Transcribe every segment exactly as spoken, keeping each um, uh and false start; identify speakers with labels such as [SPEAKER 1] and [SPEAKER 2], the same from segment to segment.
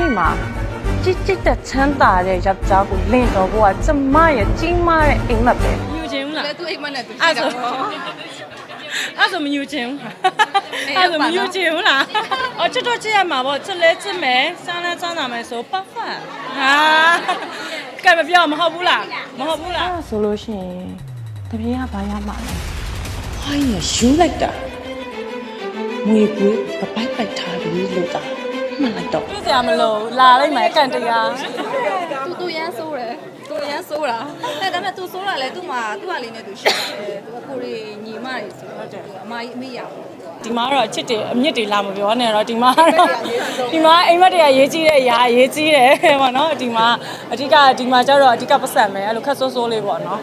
[SPEAKER 1] မှာကြစ်ကြစ်တဲ့ချမ်းသာတဲ့ယောက်ျားကိုလင့်တော်ဖို့ကကျမရဲ့ကြီးမားတဲ့အိမ်မက်ပဲယူချင်ဘူးလားလဲသူအိမ်မက်နဲ့သူအဲ့ဆိုအဲ့ဆိုမယူချင်ဘူးအဲ့ဆိုမယူချင်ဘူးလားအော်ချစ်တော့ချစ်ရမှာပေါ့ချစ်လဲချစ်မယ်စမ်းလဲစမ်းတာမယ်ဆိုပတ်ဖတ်ဟာကဲမပြောမဟုတ်ဘူးလားမဟုတ်ဘူးလားအဲ့ဆိုလို့ရှိရင်တပြေးကဘာရမှာလဲဟိုင်းရယူလိုက်တာငွေကွေးပပိုက်ပိုက်ထားပြီးလို့တာမှန်လိုက်တော့ပြည့်စရာမလို့လာလိုက်မယ်အကန်တရားသူသူရမ်းဆိုးတယ်သူရမ်းဆိုးတာအဲဒါပေမဲ့သူဆိုးတာလဲသူ့မှာသူ့ဟာလေးနဲ့သူရှိတယ်သူကကိုရီညီမတွေဆိုဟုတ်တယ်အမကြီးအမေရဘူးဒီမှာတော့အချစ်တွေအမြင့်တွေလာမပြောနဲ့တော့ဒီမှာတော့ဒီမှာအိမ်မက်တွေကရေးကြီးတဲ့အရာရေးကြီးတယ်ပေါ့နော်ဒီမှာအဓိကဒီမှာကျတော့အဓိကပတ်စံမယ်အဲ့လိုခက်ဆိုးဆိုးလေးပေါ့နော်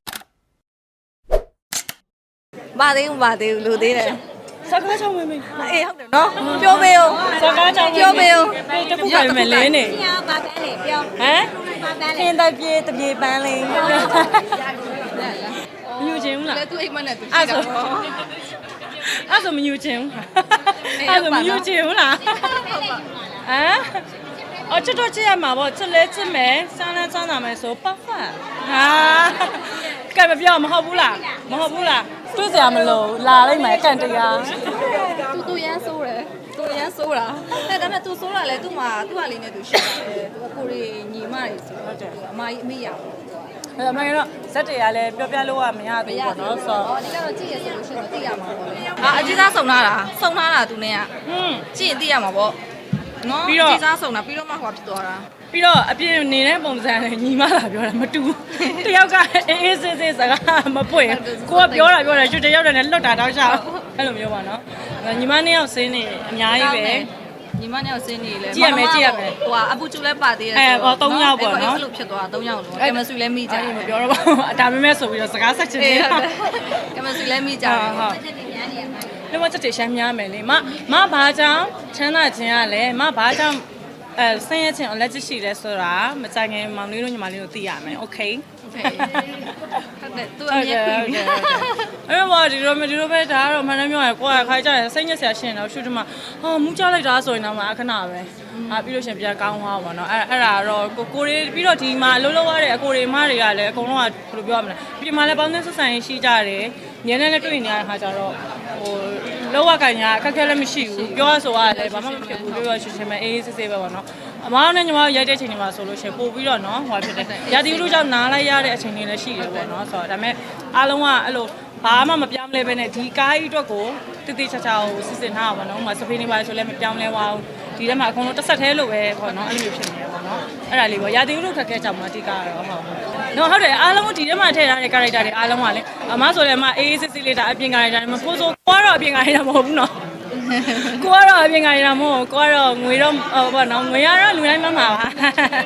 [SPEAKER 1] မသေးဘူးမသေးဘူးလူသေးတယ်စကားချောင်းမင်းမင်းအေးဟုတ်တယ်နော်ပြောမေးဦးစကားချောင်းပြောမေးဦးတခုပဲမယ်လဲနေပြောပါပန်းလေပြောဟမ်ခင်းတပြေတပြေပန်းလေးမယူချင်ဘူးလားလဲသူအိမ်မက်နဲ့သူအဲ့ဆိုအဲ့ဆိုမယူချင်ဘူးအဲ့ဆိုမယူချင်ဘူးလားဟမ်အော်ချစ်တော့ချစ်ရမှာပေါ့ချစ်လဲချစ်မယ်စမ်းလဲစမ်းတာမယ်ဆိုပတ်ဖတ်ဟာကဲမပြောမဟုတ်ဘူးလားမဟုတ်ဘူးလားတွေ့စရာမလိုလာလိုက်မယ်အကန်တရားသူသူရမ်းဆိုးတယ်သူရမ်းဆိုးတာအဲဒါပေမဲ့သူဆိုးတာလဲသူ့မှာသူ့ဟာလေးနဲ့သူရှိတယ်သူကကိုရီညီမတွေဆိုဟုတ်တယ်အမကြီးအမေရဘူးအဲ့အမှန်ကတော့ဇက်တွေကလည်းပြောပြလို့ကမရသေးဘူးပေါ့နော်ဆိုတော့ဒီကတော့ကြည့်ရဆိုလို့ရှိရင်သိရမှာပေါ့လေအာအကြီးစားစုံလာတာစုံလာတာသူနဲ့ကဟွန်းကြည့်ရင်သိရမှာပေါ့နော်အကြီးစားစုံတာပြီးတော့မှဟိုဖြစ်သွားတာပြီးတော့အပြင်နေတဲ့ပုံစံနဲ့ညီမလာပြောတာမတူတယောက်ကအေးအေးဆေးဆေးစကားမပွင့်ကိုကပြောတာပြောတာရွှေတယောက်တည်းနဲ့လွတ်တာတောက်ချအဲ့လိုမျိုးပါနော်ညီမနှစ်ယောက်ဆင်းနေအများကြီးပဲညီမနှစ်ယောက်ဆင်းနေလေကြည့်ရမယ်ကြည့်ရမယ်ဟိုကအပူကျူလဲပါသေးတယ်ဆိုတော့အဲဟော၃ယောက်ပေါ့နော်အဲ့လိုဖြစ်သွားတာ၃ယောက်လုံးကင်မဆွေလဲမိကြတယ်မပြောတော့ပါဘူးဒါပေမဲ့ဆိုပြီးတော့စကားဆက်ချင်တယ်ကင်မဆွေလဲမိကြတယ်ဟုတ်ဒီမှာချက်တွေရှမ်းများမယ်လေမမဘာကြောင့်ချမ်းသာခြင်းရလဲမဘာကြောင့်အဲဆင်းရဲခြင်းအလက်ကျရှိလဲဆိုတာမကြခင်မောင်လေးတို့ညီမလေးတို့သိရမယ်โอเคโอเคဟုတ်တယ်သူအမြဲပြီးပြီအဲ့တော့ဒီလိုမျိုးဒီလိုပဲဒါကတော့မှန်တယ်ပြောရကိုယ်ကခိုင်းကြတယ်စိတ်ညစ်စရာရှင်းတော့ရှုဒီမှာဟာမူးကြလိုက်တာဆိုရင်တော့မှအခဏပဲအာပြီးလို့ရှင်ပြန်ကောင်းသွားပါတော့အဲ့အဲ့ဒါတော့ကိုကိုရီပြီးတော့ဒီမှာအလုံးလုံးရတဲ့အကိုရီမတွေကလည်းအကုန်လုံးကဘယ်လိုပြောရမလဲပြင်မှာလည်းပေါင်းသင်းဆက်ဆံရေးရှိကြတယ်ညနေနဲ့တွေ့နေရတဲ့ခါကျတော့ဟိုလောကကညာအခက်ခဲလည်းမရှိဘူးပြောရဆိုရတယ်ဘာမှမဖြစ်ဘူးပြောရရှင်းရှင်းပဲအေးဆေးဆေးပဲပေါ့နော်အမားနဲ့ညီမရိုက်တဲ့အချိန်တွေမှာဆိုလို့ရှင်ပို့ပြီးတော့နော်ဟိုဖြစ်တယ်ရာသီဥတုကြောင့်နားလိုက်ရတဲ့အချိန်တွေလည်းရှိတယ်ပေါ့နော်ဆိုတော့ဒါပေမဲ့အားလုံးကအဲ့လိုဘာမှမပြောင်းလဲပဲနဲ့ဒီကားကြီးအတွက်ကိုတိတိကျကျကိုစစ်စစ်ထားပါတော့။မစဖေးနေပါဆိုလည်းမပြောင်းလဲပါဘူး။ဒီထဲမှာအကုန်လုံးတစ်ဆက်သေးလို့ပဲပေါ့နော်အဲ့လိုမျိုးဖြစ်နေရပါတော့။အဲ့ဒါလေးပေါ့ရာသီဥတုခက်ခဲကြောင့်မအတိကတော့ဟုတ်ဟုတ်။နော်ဟုတ်တယ်အားလုံးဒီထဲမှာထည့်ထားတဲ့ character တွေအားလုံးကလေအမဆိုလည်းအမအေးစစ်စစ်လေးဒါအပြင် character တွေမကိုဆိုကိုကတော့အပြင် character မဟုတ်ဘူးနော်။ကိုကတော့အပြင် character မဟုတ်ကိုကတော့ငွေတော့ဟောနော်ငွေရတော့လူတိုင်းမှမှာပါ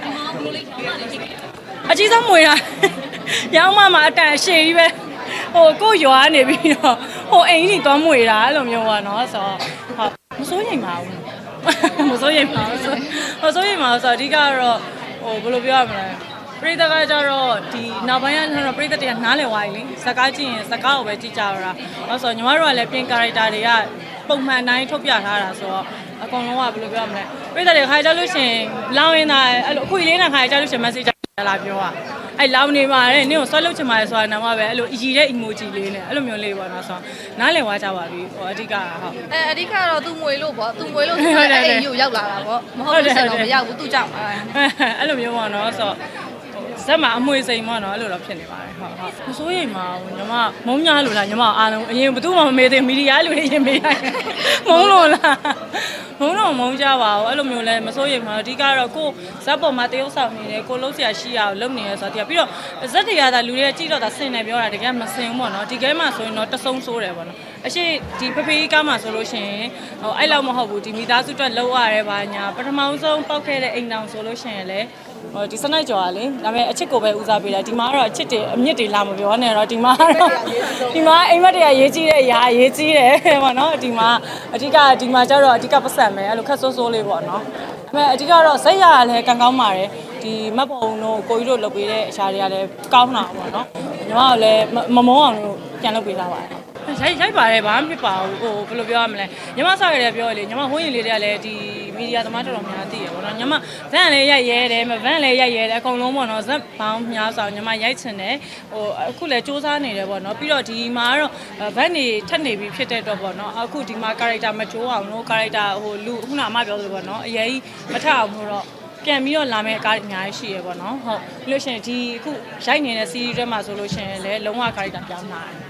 [SPEAKER 1] ။အကြီးဆုံးငွေတာရောင်းမှမှာအတန်အရှိကြီးပဲဟိုကိုရွာနေပြီးတော့ဟိုအိမ်ကြီးသွားမွေတာအဲ့လိုမျိုးပေါ့နော်ဆိုတော့ဟုတ်မစိုးရိမ်ပါဘူးမစိုးရိမ်ပါဘူးမစိုးရိမ်ပါဘူးဆိုတော့အဓိကတော့ဟိုဘယ်လိုပြောရမလဲပရိသတ်ကကြတော့ဒီနောက်ပိုင်းကတော့ပရိသတ်တွေကနားလည်သွားပြီလေစကားကြည့်ရင်စကားကိုပဲကြည့်ကြရတာအဲ့ဆိုညီမတို့ကလည်းပြင် character တွေကပုံမှန်တိုင်းထုတ်ပြထားတာဆိုတော့အကောင်လုံးကဘယ်လိုပြောရမလဲပရိသတ်တွေခါကြလို့ရှင်လောင်းရင်းသားအဲ့လိုအခွေလေးနဲ့ခါကြလို့ရှင် message လာပြောอ่ะအဲ့လောင်နေပါတယ်နင့်ကိုဆွဲလုတ်ချင်ပါတယ်ဆိုတာနာမပဲအဲ့လိုအည်တဲ့ emoji လေးနဲ့အဲ့လိုမျိုးလေးပေါ့နော်ဆိုတော့နားလည်သွားကြပါပြီဟိုအဓိကဟုတ်
[SPEAKER 2] အဲအဓိကတော့သူငွေလို့ပေါ့သူငွေလို့ဆိုတော့အဲ့အိမ်ကိုရောက်လာတာပေါ့မဟုတ်လို့ဆက်တော့မရောက်ဘူးသူကြောင့်
[SPEAKER 1] အဲ့လိုမျိုးပေါ့နော်ဆိုတော့ဇက်မှာအမွေစိန်ပေါ့နော်အဲ့လိုတော့ဖြစ်နေပါတယ်ဟုတ်ဟုတ်မစိုးရိမ်ပါဘူးညီမမုံညာလို့လားညီမအားလုံးအရင်ဘယ်သူမှမမေးသေးမီဒီယာလူတွေရင်မေးရတယ်မုံလို့လားမုံတော့မုံကြပါဘူးအဲ့လိုမျိုးလဲမစိုးရိမ်ပါဘူးအဓိကတော့ကိုဇက်ပေါ်မှာတရုပ်ဆောင်နေတယ်ကိုလုံးဆရာရှိရအောင်လုပ်နေရဆိုတော့ပြီးတော့ဇက်တွေကသာလူတွေကကြည့်တော့သာဆင်နေပြောတာတကယ်မဆင်ဘူးပေါ့နော်ဒီကဲမှာဆိုရင်တော့တဆုံဆိုးတယ်ပေါ့နော်အရှိဒီဖဖေးကားမှာဆိုလို့ရှိရင်ဟိုအဲ့လောက်မဟုတ်ဘူးဒီမိသားစုအတွက်လောက်ရတယ်ပါညာပထမဆုံးပောက်ခဲ့တဲ့အိမ်တောင်ဆိုလို့ရှိရင်လေဟိုဒီစနိုက်ကြော်ကလေဒါပေမဲ့အချစ်ကိုပဲဦးစားပေးတာဒီမှာကတော့အချစ်တွေအမြင့်တွေလာမပြောနဲ့တော့ဒီမှာတော့ဒီမှာအိမ်မက်တွေကရေးကြီးတဲ့အရာရေးကြီးတယ်ပေါ့နော်ဒီမှာအဓိကဒီမှာကျတော့အဓိကပတ်စံမယ်အဲ့လိုခက်ဆိုးဆိုးလေးပေါ့နော်ဒါပေမဲ့အဓိကတော့ဇက်ရကလည်းကံကောင်းပါတယ်ဒီမတ်ပုံတို့ကိုကြီးတို့လုပ်ပေးတဲ့အရာတွေကလည်းကောင်းတာပေါ့နော်ညီမကလည်းမမုန်းအောင်လို့ပြန်လုပ်ပေးထားပါတယ်ရိုက်ရိုက်ပါတယ်ဘာမှမဖြစ်ပါဘူးဟိုဘယ်လိုပြောရမလဲညီမဆောက်ရတဲ့ပြောလေညီမဟိုးရင်လေးတွေကလည်းဒီမမီဒီယာသမားတော်တော်များသိရပေါ့နော်ညီမဗန်လည်းရိုက်ရဲတယ်မဗန်လည်းရိုက်ရဲတယ်အကုန်လုံးပေါ့နော်ဇက်ပေါင်းများစွာညီမရိုက်ချင်တယ်ဟိုအခုလည်းစူးစမ်းနေတယ်ပေါ့နော်ပြီးတော့ဒီမှာတော့ဗန်နေထက်နေပြီဖြစ်တဲ့တော့ပေါ့နော်အခုဒီမှာ character မကျိုးအောင်လို့ character ဟိုလူခုနအမပြောသလိုပေါ့နော်အရေးမထအောင်လို့တော့ပြန်ပြီးတော့လာမယ့်အကားအများကြီးရှိရပေါ့နော်ဟုတ်ပြီးလို့ရှိရင်ဒီအခုရိုက်နေတဲ့ series တွေမှာဆိုလို့ရှိရင်လည်းလုံးဝ character ပြောင်းလာတယ်